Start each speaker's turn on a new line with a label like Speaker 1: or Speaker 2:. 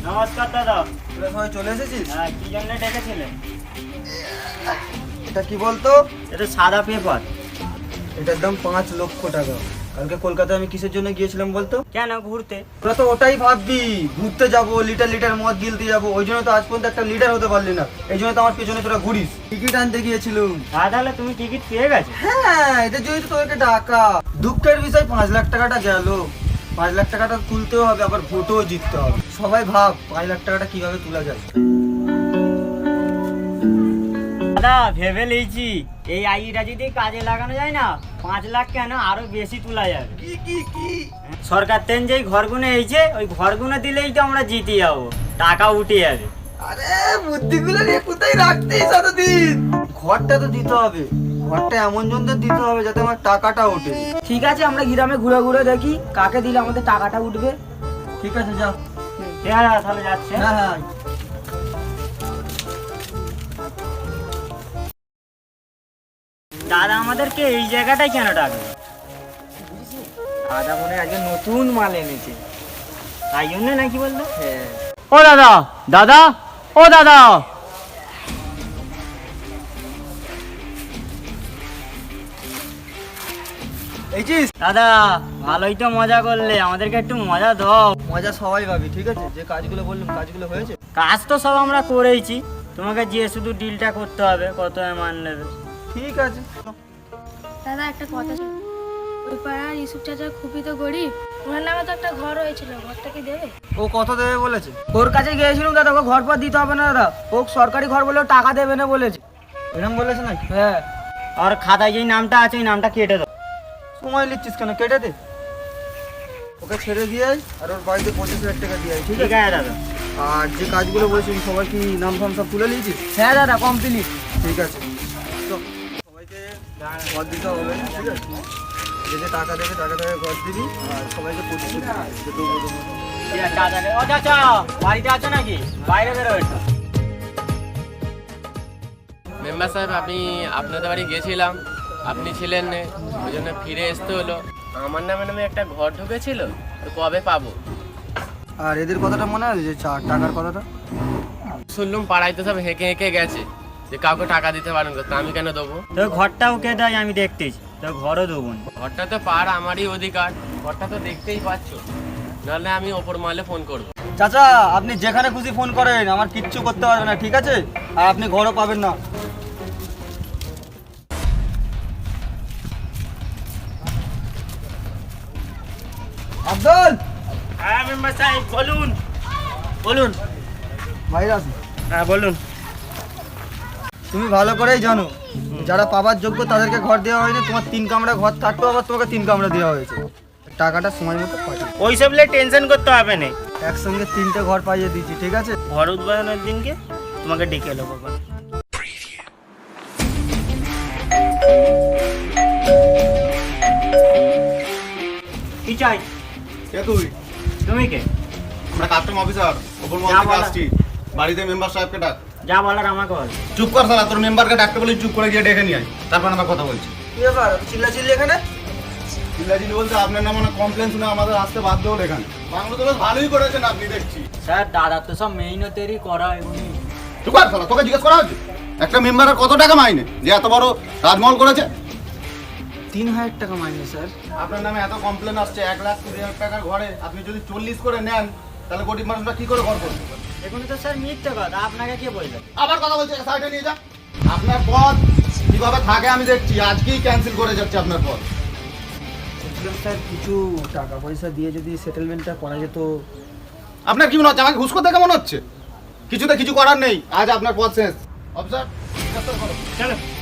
Speaker 1: নমস্কার দাদা।
Speaker 2: তোরা সবাই চলে এসেছিস?
Speaker 1: হ্যাঁ, কি জন্য ডেকেছিলেন?
Speaker 2: এটা কি বলতো?
Speaker 1: এটা সাদা পেপার।
Speaker 2: এটার দাম 5 লক্ষ টাকা। কালকে কলকাতায় আমি কিসের জন্য গিয়েছিলাম বলতো?
Speaker 1: কেন ঘুরতে?
Speaker 2: তোরা তো ওটাই ভাববি, ঘুরতে যাবো, লিটার লিটার মদ গিলতে যাবো, ওই জন্য তো আজ পর্যন্ত একটা লিটার হতে পারলি না। এই জন্য তো আমার পেছনে তোরা ঘুরিস। টিকিট আনতে গিয়েছিলাম।
Speaker 1: তাহলে তুমি টিকিট পেয়ে গেছো?
Speaker 2: হ্যাঁ, এদের জন্য তো তোকে ডাকা। দুঃখের বিষয় 5 লাখ টাকাটা গেল। 5 লাখ টাকাটা তুলতেও হবে, আবার ভোটও জিততে হবে। সবাই ভাব 5 লাখ টাকাটা কিভাবে তোলা যায়।
Speaker 1: দাদা ভেবে লিয়েছি, এই আইডিটা যদি কাজে লাগানো যায় না, 5 লাখ কেন আরো বেশি তোলা যাবে।
Speaker 2: কি
Speaker 1: সরকার তেন যেই ঘরগুলো এইছে, ওই ঘরগুলো দিলেই তো আমরা জিতে যাবো, টাকা উঠে যাবে।
Speaker 2: আরে বুদ্ধিগুলো নিয়ে কোথায় রাখতেই এতদিন? ঘরটা তো দিতে হবে। ঘরটা এমন জনদের দিতে হবে যাতে আমার টাকাটা ওঠে।
Speaker 3: ঠিক আছে, আমরা গ্রামে ঘুরে ঘুরে দেখি কাকে দিলে আমাদের টাকাটা উঠবে।
Speaker 2: ঠিক আছে, যাও।
Speaker 1: হ্যাঁ তাহলে যাচ্ছে।
Speaker 2: হ্যাঁ হ্যাঁ।
Speaker 1: দাদা আমাদেরকে এই জায়গাটাই কেন ডাকবে?
Speaker 3: দাদা মনে হয় আজকে নতুন মাল এনেছে।
Speaker 1: তাই জন্য নাকি বললো?
Speaker 3: হ্যাঁ।
Speaker 1: ও দাদা, দাদা, ও দাদা।
Speaker 2: এইছিস?
Speaker 1: দাদা ভালোই তো মজা করলে, আমাদেরকে একটু মজা দাও।
Speaker 2: মজা সবাই পাবি, ঠিক আছে? যে কাজগুলো বললাম কাজগুলো হয়েছে?
Speaker 1: কাজ তো সব আমরা করেইছি, তোমাকে যে শুধু ডিলটা করতে হবে, কত মান নেবে।
Speaker 2: ঠিক আছে।
Speaker 4: দাদা একটা কথা ছিল, ওই পাড়ার ইউসুফ চাচা খুবই তো গরিব, ওনার নামে তো একটা ঘর হয়েছিল, ঘরটা কি দেবে?
Speaker 2: ও কত দেবে বলেছে?
Speaker 3: ওর কাছে গিয়েছিলাম দাদা, ওকে ঘর পর দিতে হবে না দাদা, ও সরকারি ঘর বলেও টাকা দেবে না বলেছে।
Speaker 2: এরকম বলেছে নাকি?
Speaker 3: হ্যাঁ।
Speaker 1: আর খাতায় যেই নামটা আছে ওই নামটা কেটে দাও।
Speaker 2: সময় নিচ্ছিস কেন? কেটে দে। ওকে ছেড়ে দিয়ে আয়, আর ওর বাড়িতে 25 লাখ টাকা দিয়ে আয়, ঠিক
Speaker 1: ঠিক
Speaker 2: আছে?
Speaker 1: আছে দাদা।
Speaker 2: আর যে কাজগুলো বলেছি সবাই কি নাম ফাম সব তুলে নিয়েছিস?
Speaker 3: হ্যাঁ দাদা, কমপ্লিট।
Speaker 2: ঠিক আছে। তো সবাইকে ঘর দিতে হবে, ঠিক আছে? যে যে টাকা দেবে টাকা থেকে ঘর দিবি, আর সবাইকে 25 লাখ টাকা দেবো।
Speaker 1: ঠিক আছে চাচা। ও চাচা বাড়িতে আছো নাকি? বাইরে বেরো একটু।
Speaker 5: মেম্বার সাহেব, আমি আপনাদের বাড়ি গিয়েছিলাম, আপনি ছিলেন না, ওই জন্য ফিরে আসতে হলো। আমার নামে একটা ঘর ঢুকেছিল, তো কবে পাবো?
Speaker 2: আর এদের কথাটা মনে আছে যে টাকার কথাটা?
Speaker 5: শুনলাম পাড়ায় তো সব হেঁকে হেঁকে গেছে যে কাউকে টাকা দিতে পারেন, তো আমি কেন দেবো?
Speaker 1: তো ঘরটাও কে দেয় আমি দেখতেছি, তো ঘরও দেবো না।
Speaker 5: ঘরটা তো পার আমারই অধিকার, ঘরটা তো দেখতেই পাচ্ছ, নাহলে আমি ওপর মহলে ফোন করবো।
Speaker 2: চাচা, আপনি যেখানে খুশি ফোন করেন, আমার কিচ্ছু করতে পারবে না, ঠিক আছে? আর আপনি ঘরও পাবেন না। আব্দুল,
Speaker 1: হ্যাঁ মেম্বার সাহেব বলুন। বলুন।
Speaker 2: বাইরে আসুন।
Speaker 1: হ্যাঁ বলুন।
Speaker 2: তুমি ভালো করেই জানো যারা পাবার যোগ্য তাদেরকে ঘর দেওয়া হয়নি। তোমার 3 কামরা ঘর থাকতো, আবার তোমাকে 3 কামরা দেওয়া হয়েছে। টাকাটা সময় মতো পাঠিয়ে
Speaker 1: ওইসব নিয়ে টেনশন করতে হবে না।
Speaker 2: একসঙ্গে 3টে ঘর পাইয়ে দিচ্ছি, ঠিক আছে?
Speaker 1: ঘর উদ্বোধনের দিনকে তোমাকে ডেকে এলো বাবা। কি চাই?
Speaker 6: কে তুই?
Speaker 1: তুমি কে?
Speaker 6: আমরা কাস্টম অফিসার, ওপর মহল
Speaker 1: যা
Speaker 6: থেকে
Speaker 1: বলা।
Speaker 6: আসছি। বাড়িতে মেম্বার সাহেবকে ডাক।
Speaker 1: যা বলার আমাকে বল।
Speaker 6: চুপ কর শালা, তোর মেম্বারকে ডাকতে বলি চুপ করে গিয়ে ডেকে নিয়ে আয়, তারপর আমরা কথা বলছি।
Speaker 2: কি ব্যাপার চিল্লাচিল্লি এখানে?
Speaker 6: চিল্লাচিল্লি বলতে আপনার নামে কমপ্লেন শুনে আমাদের আসতে বাধ্য হলো এখানে। বাংলা তো বেশ ভালোই করেছেন আপনি দেখছি।
Speaker 3: স্যার দাদা তো সব মেহনতেরই করা এমনি।
Speaker 6: চুপ কর শালা, তোকে জিজ্ঞেস করা হচ্ছে একটা মেম্বারের কত টাকা মাইনে যে এত বড় রাজমহল করেছে?
Speaker 2: 3000 টাকা মাইনে স্যার।
Speaker 6: আপনার নামে এত কমপ্লেন আসছে, 1,20,000 টাকার ঘরে আপনি যদি 40 করে নেন, তাহলে গরিব মানুষরা কি করে ঘর করবে?
Speaker 1: এখানে তো স্যার মিথ্যে কথা, আপনাকে কে বলবে?
Speaker 6: আবার কথা বলছে, সাইডে নিয়ে যা। আপনার পদ কিভাবে থাকে আমি দেখছি, আজকেই ক্যান্সেল করে যাচ্ছে আপনার পদ।
Speaker 2: বলছিলাম স্যার কিছু টাকা পয়সা দিয়ে যদি সেটেলমেন্টটা করা যেত।
Speaker 6: আপনার কি মনে হচ্ছে আমাকে ঘুষ করতে কেমন হচ্ছে? কিছুতে কিছু করার নেই, আজ আপনার পদ শেষ। অফিসার,
Speaker 1: চলো।